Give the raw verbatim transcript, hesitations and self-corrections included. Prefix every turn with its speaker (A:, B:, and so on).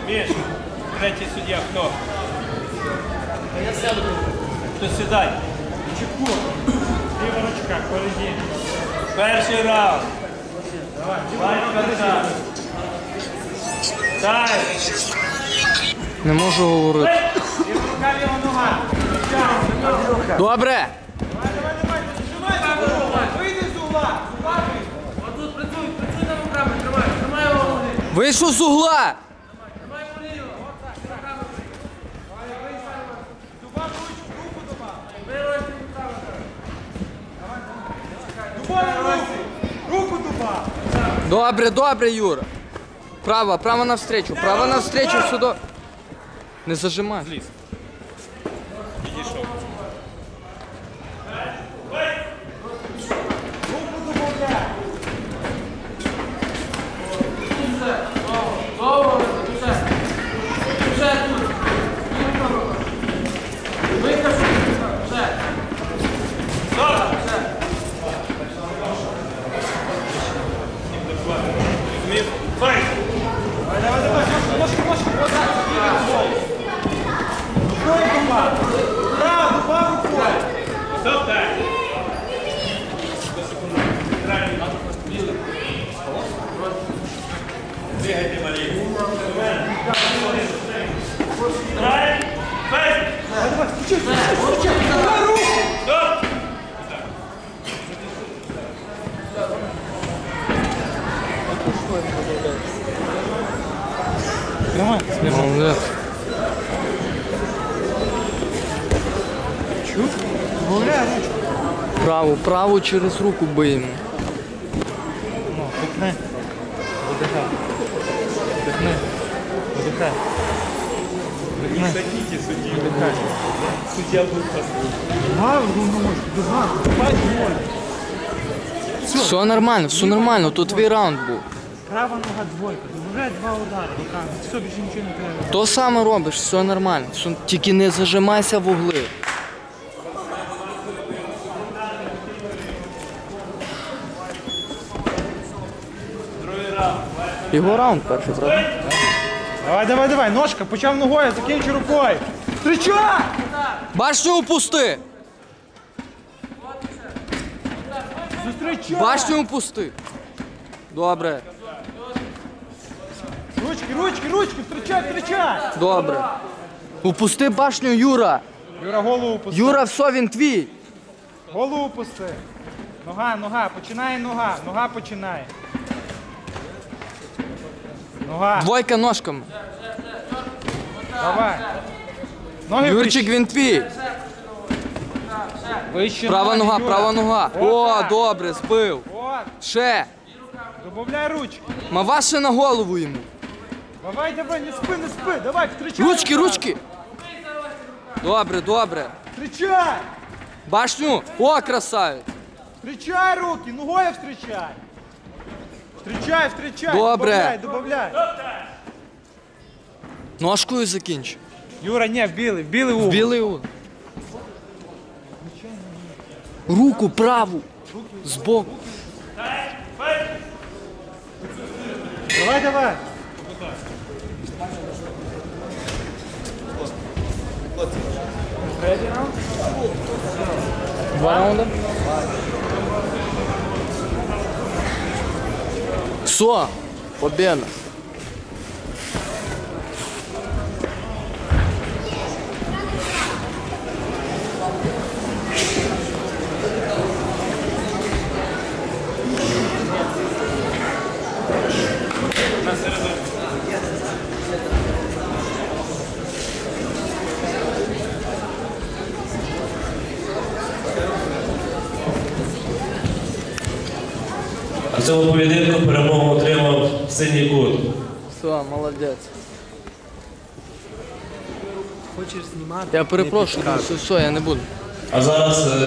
A: Міш, третій суддя, хто? Я сяду. Хто сідай?
B: Чеку. Ліва ручка, впереді.
A: Перший раунд.
B: Давай,
A: Давай, контакт. Дай.
C: Не можу говорити.
B: ліва рука, ліва нога.
C: Добре!
B: Давай, давай, давай. Зажимай за угла. Вийди з угла.
D: Отут працюй, працюй на руками, тримай, тримай його ноги.
C: Вийшов з угла!
D: Тримай поліво, от так, руками.
B: Дубав ручку, руку дубав.
D: Вирости руками.
B: Дубав руку. Руку дубав.
C: Добре, добре, Юра. Право, право навстречу, право навстречу сюди. Не зажимай.
A: Зліз. Підійшов.
B: Руку добавляй.
D: Довго, вже. Вже тут. Викажу, вже. Вже.
A: Змів. Файт.
B: Давай, давай, давай. Ножки, ножки. Вот так. Рукою дубав. Право, дубав рукою.
A: Стоп, так. Двигайте маленько. Драйв. Файт.
B: Давай, давай. Стучи, стучи. Давай руку.
A: Стоп.
B: Тримай.
C: Молодець.
B: Чув? Добавляй ручку.
C: Праву, праву через руку биємо.
B: Ну, пукни. Видихай. Вдихни. Видихай. Вдихни.
A: Садите судді.
B: Видихай.
A: Суддя був послухний.
B: Давай, руку ножку. Дуга. Давай, двоє.
C: Все нормально, все нормально, тут твій раунд був.
B: Права нога двойка. Добавляй два удари руками. Все, більше нічого не треба.
C: То саме робиш, все нормально. Все- Тільки не зажимайся в угли.
A: Другий раунд.
C: Його раунд перший, правда?
B: Давай, давай, давай. Ножка. Почав ногою, закінчи рукою. Встречай!
C: Башню упусти!
B: Зустрічай!
C: Башню упусти! Добре,
B: Ручки, ручки, ручки. Встречай, встречай!
C: добре. Упусти башню, Юра!
B: Юра, голову пусти.
C: Юра, все, він твій!
B: Голову пусти. Нога, нога. Починає нога. Нога починає. Нога.
C: Двойка ножками.
B: Давай. Ноги
C: Юрчик, він твій!
B: вище.
C: Права
B: ноги,
C: нога,
B: Юра.
C: права нога. О,
B: Отак.
C: добре, збив.
B: От.
C: Ще.
B: Добавляй ручки.
C: Мава ще на голову йому.
B: Давай, давай, не спи, не спи. Давай, встречай.
C: Ручки,
B: одразу.
C: ручки. Добре, добре.
B: Встречай.
C: Башню. О, красавець.
B: Встречай руки, ногою встречай. Встречай, встречай.
C: Добре.
B: Добавляй, добавляй.
C: Ножкою закінч.
B: Юра, не, в білий, в білий угол.
C: Білий угол. Руку праву. Збоку.
B: Давай, давай.
C: Два раунда. Все. Победа.
A: На середину.
E: В цьому поєдинку перемогу отримав синій кут.
C: Все, молодець.
D: Хочеш знімати?
C: Я перепрошую, все, все, я не буду.
E: А зараз е,